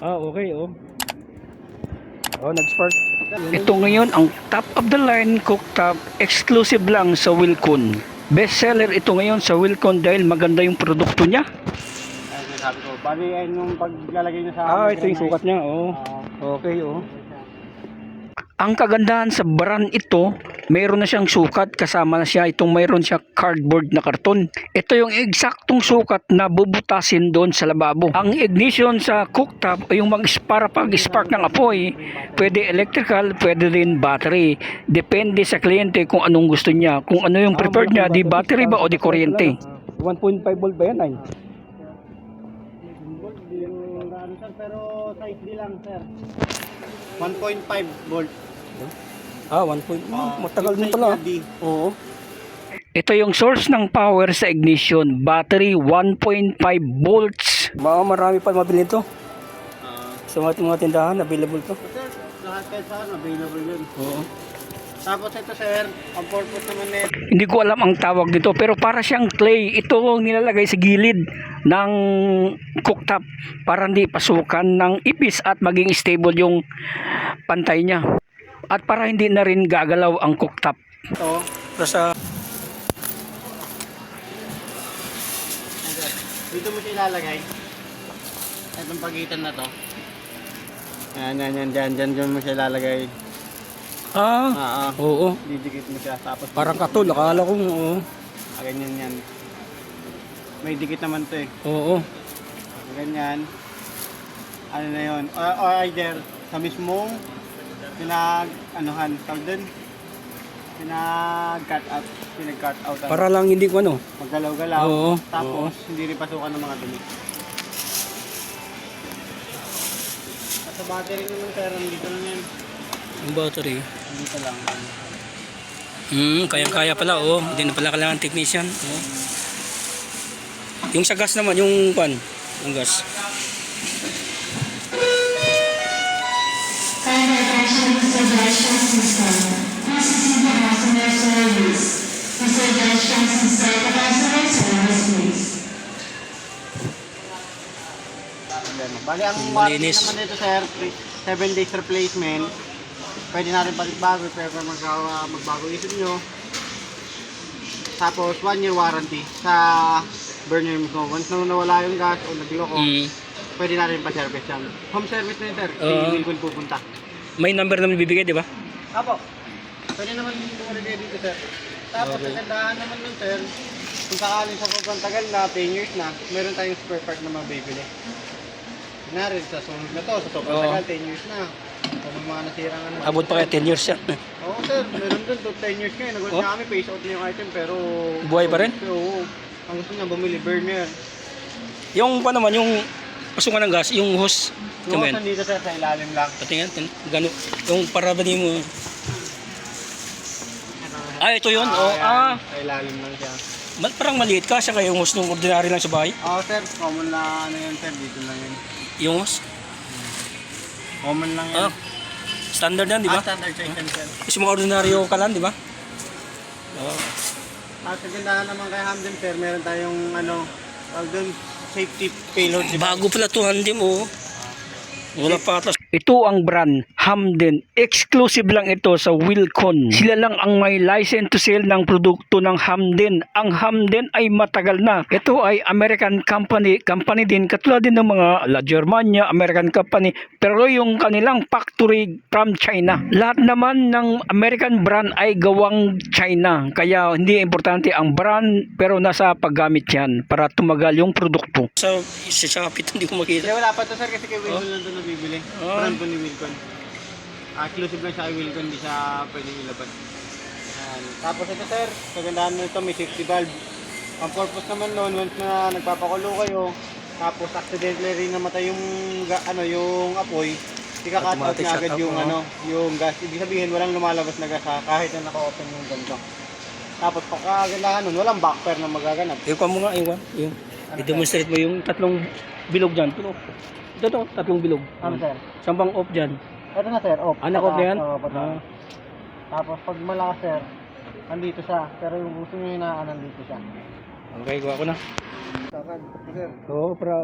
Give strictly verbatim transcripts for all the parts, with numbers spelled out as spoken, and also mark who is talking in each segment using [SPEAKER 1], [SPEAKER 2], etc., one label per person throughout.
[SPEAKER 1] Ah, okay, oh. Oh, nag-spark. Ito ngayon ang top of the line cooktop, exclusive lang sa Wilcon. Best seller ito ngayon sa Wilcon dahil maganda yung produkto niya.
[SPEAKER 2] Ay, sabi ko, bali ay nung paglalagay niya sa
[SPEAKER 1] Ah, ito yung sukat niya, oh.
[SPEAKER 2] Oo.
[SPEAKER 1] Okay, oh. Ang kagandahan sa brand ito, mayroon na siyang sukat, kasama na siya itong mayroon siya cardboard na karton. Ito yung eksaktong sukat na bubutasin doon sa lababo. Ang ignition sa cooktop ay yung mag para pag-spark ng apoy, pwede electrical, pwede din battery. Depende sa kliyente kung anong gusto niya. Kung ano yung preferred niya, di battery ba o di kuryente. one point five volt ba yan ay?
[SPEAKER 2] Pero size D lang, sir. one point five volt.
[SPEAKER 1] Ah, one point five.
[SPEAKER 2] Ah,
[SPEAKER 1] Matagal din
[SPEAKER 2] size
[SPEAKER 1] pala.
[SPEAKER 2] na D.
[SPEAKER 1] Oo. Ito yung source ng power sa ignition. Battery one point five volts. Baka marami pa mabili ito.
[SPEAKER 2] Ah,
[SPEAKER 1] Sa mga, mga tindahan, available to.
[SPEAKER 2] sir, lahat kayo saan available yun.
[SPEAKER 1] Oo.
[SPEAKER 2] Tapos ito, sir, ang purpose naman nito.
[SPEAKER 1] Hindi ko alam ang tawag nito pero para siyang clay. Ito ang nilalagay sa gilid ng cooktop para hindi pasukan ng ipis at maging stable yung pantay niya. At para hindi na rin gagalaw ang cooktop.
[SPEAKER 2] Ito,
[SPEAKER 1] Sa
[SPEAKER 2] dito mo siya ilalagay. Itong pagitan na to. Yan, yan, yan, dyan, dyan, dyan mo siya ilalagay.
[SPEAKER 1] Ah,
[SPEAKER 2] Ah, ah.
[SPEAKER 1] oo.
[SPEAKER 2] Didikit mo siya, tapos
[SPEAKER 1] Parang katul, akala ko oo.
[SPEAKER 2] ah, ganyan yan. May dikit naman to eh.
[SPEAKER 1] Oo.
[SPEAKER 2] Ganyan. Ano na yun? Or, or either sa mismong pinag, anuhan, tawag dun? Pinag-cut out. Pinag-cut out. ano,
[SPEAKER 1] Para lang hindi ko ano.
[SPEAKER 2] Maggalaw-galaw.
[SPEAKER 1] Oo,
[SPEAKER 2] Tapos, hindi rin pasukan ng mga dumi. At sa battery naman, sir, dito lang yan.
[SPEAKER 1] Yung battery.
[SPEAKER 2] Dito lang.
[SPEAKER 1] Hmm, kaya-kaya pala oh. Hindi na pala kailangan technician. Oh. Yung sa gas naman, yung pan, yung gas.
[SPEAKER 3] Kind attention suggestions instead. This is the customer service. The suggestions instead of customer service, please.
[SPEAKER 2] Bali, ang warranty
[SPEAKER 1] Malinis.
[SPEAKER 2] naman dito, sir, seven days replacement. Pwede natin balik bago, pero mag uh, magbago isip nyo. Tapos, one year warranty sa burner mismo. Once na nawala yung gas o nagloko,
[SPEAKER 1] Mm.
[SPEAKER 2] pwede natin pa-service yan. Home service na yun, sir.
[SPEAKER 1] Oo.
[SPEAKER 2] Hindi uh, kung pupunta.
[SPEAKER 1] May number naman bibigay, di ba?
[SPEAKER 2] Apo, pwede naman bumalik dito, sir. Tapos,
[SPEAKER 1] Okay.
[SPEAKER 2] ang gandahan naman nun, sir, kung sakaling sa sobrang tagal na, ten years na, meron tayong spare part na mabibili. Kunwari, sa sunod na to, sa sobrang
[SPEAKER 1] Oo.
[SPEAKER 2] tagal, ten years na. Kung may mga nasirang ano.
[SPEAKER 1] Abot pa kaya ten years yan.
[SPEAKER 2] Oo, sir, meron dun, to ten years ngayon. Nagulat
[SPEAKER 1] Oh?
[SPEAKER 2] na kami, face out na yung item, pero...
[SPEAKER 1] Buhay pa rin?
[SPEAKER 2] Oo. Ang gusto niya, bumili, burner.
[SPEAKER 1] Yung pa naman, yung pasukan ng gas, yung hose.
[SPEAKER 2] Yung
[SPEAKER 1] Kamen.
[SPEAKER 2] hose nandito, sir, sa ilalim lang.
[SPEAKER 1] Patingin, tin- gano, yung para ba mo. Ah, ito yun. Oh,
[SPEAKER 2] yan.
[SPEAKER 1] ah,
[SPEAKER 2] Sa ilalim lang siya.
[SPEAKER 1] mal- parang maliit ka siya kaya yung hose nung ordinary lang sa bahay.
[SPEAKER 2] Oo, sir, common na ano yan, sir, dito lang yun.
[SPEAKER 1] Yung hose.
[SPEAKER 2] Common lang yan.
[SPEAKER 1] Ah, standard yan, di ba?
[SPEAKER 2] Ah, standard size yan, sir.
[SPEAKER 1] Kasi mga ordinaryo ka lang, di ba? Oo.
[SPEAKER 2] At sa gandahan naman kay Hamden, sir, meron tayong ano, tawag dun, safety payload.
[SPEAKER 1] Bago pala to, hindi mo. Wala pa atas. Ito ang brand, Hamden. Exclusive lang ito sa Wilcon. Sila lang ang may license to sell ng produkto ng Hamden. Ang Hamden ay matagal na. Ito ay American company. Company din, katulad din ng mga La Germania, American company. Pero yung kanilang factory from China. Lahat naman ng American brand ay gawang China. Kaya hindi importante ang brand, pero nasa paggamit yan para tumagal yung produkto. Sa, sa Shopee, hindi ko makita.
[SPEAKER 2] Hindi, wala pa to, sir, kasi kay Wilcon lang ito nabibili.
[SPEAKER 1] Oh.
[SPEAKER 2] Brand po ni Wilcon. Ah, exclusive lang siya kay Wilcon, hindi siya pwedeng ilabas. Ayan. Tapos ito, sir, kagandahan nito, may safety valve. Ang purpose naman noon, once na nagpapakulo kayo, tapos accidentally rin namatay yung, ga- ano, yung apoy, ika-cut out
[SPEAKER 1] Automatic
[SPEAKER 2] na
[SPEAKER 1] shut
[SPEAKER 2] agad
[SPEAKER 1] off,
[SPEAKER 2] yung,
[SPEAKER 1] oh.
[SPEAKER 2] ano, yung gas. Ibig sabihin, walang lumalabas na gas ha, kahit na naka-open yung ganito. Tapos pagkagandahan nun, walang backfire na magaganap.
[SPEAKER 1] Iwan mo nga, iwan. Yung, i-demonstrate mo yung tatlong bilog dyan. Ito, ito, ito tatlong bilog.
[SPEAKER 2] Ano, sir?
[SPEAKER 1] Sambang off dyan.
[SPEAKER 2] Ito na, sir, off.
[SPEAKER 1] Anak off na yan?
[SPEAKER 2] Oo, pataas.
[SPEAKER 1] Ah.
[SPEAKER 2] Tapos pag malakas, sir, nandito siya. Pero yung gusto nyo hinaan, nandito siya.
[SPEAKER 1] Okay, gawa ko na.
[SPEAKER 2] Sir, sir.
[SPEAKER 1] Oo, para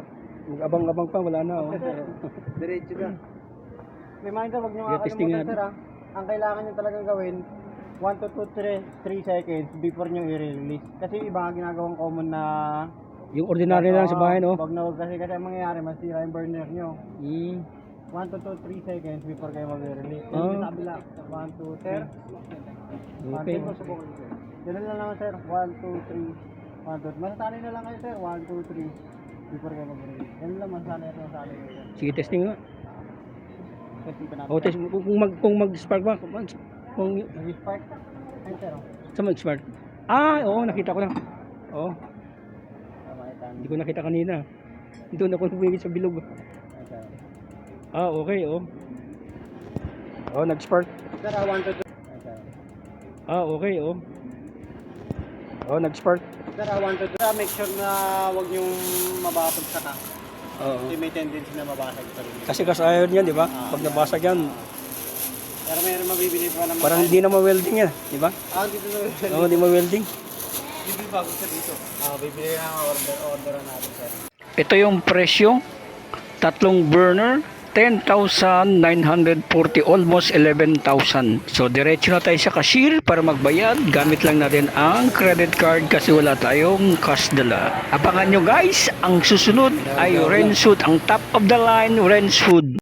[SPEAKER 1] Abang-abang pa, wala na. Oh.
[SPEAKER 2] Diretso ka. Reminder, wag nyo
[SPEAKER 1] Yeah, testing
[SPEAKER 2] makakalimutan,
[SPEAKER 1] nga.
[SPEAKER 2] sir, ah. Ang kailangan nyo talagang gawin, one to two, three seconds before nyo i-release. Kasi iba nga ginagawang common na...
[SPEAKER 1] Yung ordinary na lang sa bahay, no?
[SPEAKER 2] Wag na wag kasi kasi ang mangyayari, masira yung burner nyo.
[SPEAKER 1] Mm.
[SPEAKER 2] one to two, three seconds before kayo mag-release.
[SPEAKER 1] Ah.
[SPEAKER 2] Yan sa kabila. one, two, sir. one,
[SPEAKER 1] Okay.
[SPEAKER 2] two, Ganun lang naman, sir. one, two, three. one, two. Masasanay na lang kayo, sir. one, two, three. Before kayo mag-release. Ganun lang, masasanay at masasanay kayo.
[SPEAKER 1] Sige, testing nga.
[SPEAKER 2] Kasi pa natin.
[SPEAKER 1] O, test, kung, kung mag, kung mag-spark ba? Kung, kung,
[SPEAKER 2] Nag-spark. Ayun, sir. oh.
[SPEAKER 1] sa mag-spark? Ah, oo, nakita ko na. Oo,
[SPEAKER 2] Tama, ito.
[SPEAKER 1] hindi ko nakita kanina. Doon ako nabigit sa bilog.
[SPEAKER 2] Ito.
[SPEAKER 1] Ah, okay, oh. Oh, nag-spark.
[SPEAKER 2] Sir, ah, one, two, three. Ito.
[SPEAKER 1] Ah, okay, oh. Oh, nag-spark.
[SPEAKER 2] Sir, ah, one, two, three. Ah, make sure na wag yung mabasag sa tank.
[SPEAKER 1] Oo.
[SPEAKER 2] Kasi may tendency na mabasag sa rin.
[SPEAKER 1] Kasi kasayon yan, di ba? Pag nabasag yan,
[SPEAKER 2] Pero mayroon mabibili pa naman.
[SPEAKER 1] parang hindi na ma-welding yan, di ba?
[SPEAKER 2] Ah, dito na.
[SPEAKER 1] Oo, hindi ma-welding.
[SPEAKER 2] Bibili bago sir dito. Ah, bibili na ang order, orderan natin, sir.
[SPEAKER 1] Ito yung presyo. Tatlong burner, ten thousand nine hundred forty, almost eleven thousand. So, diretso na tayo sa cashier para magbayad. Gamit lang natin ang credit card kasi wala tayong cash dala. Abangan nyo guys, ang susunod ay Ren's Food, ang top of the line Ren's Food.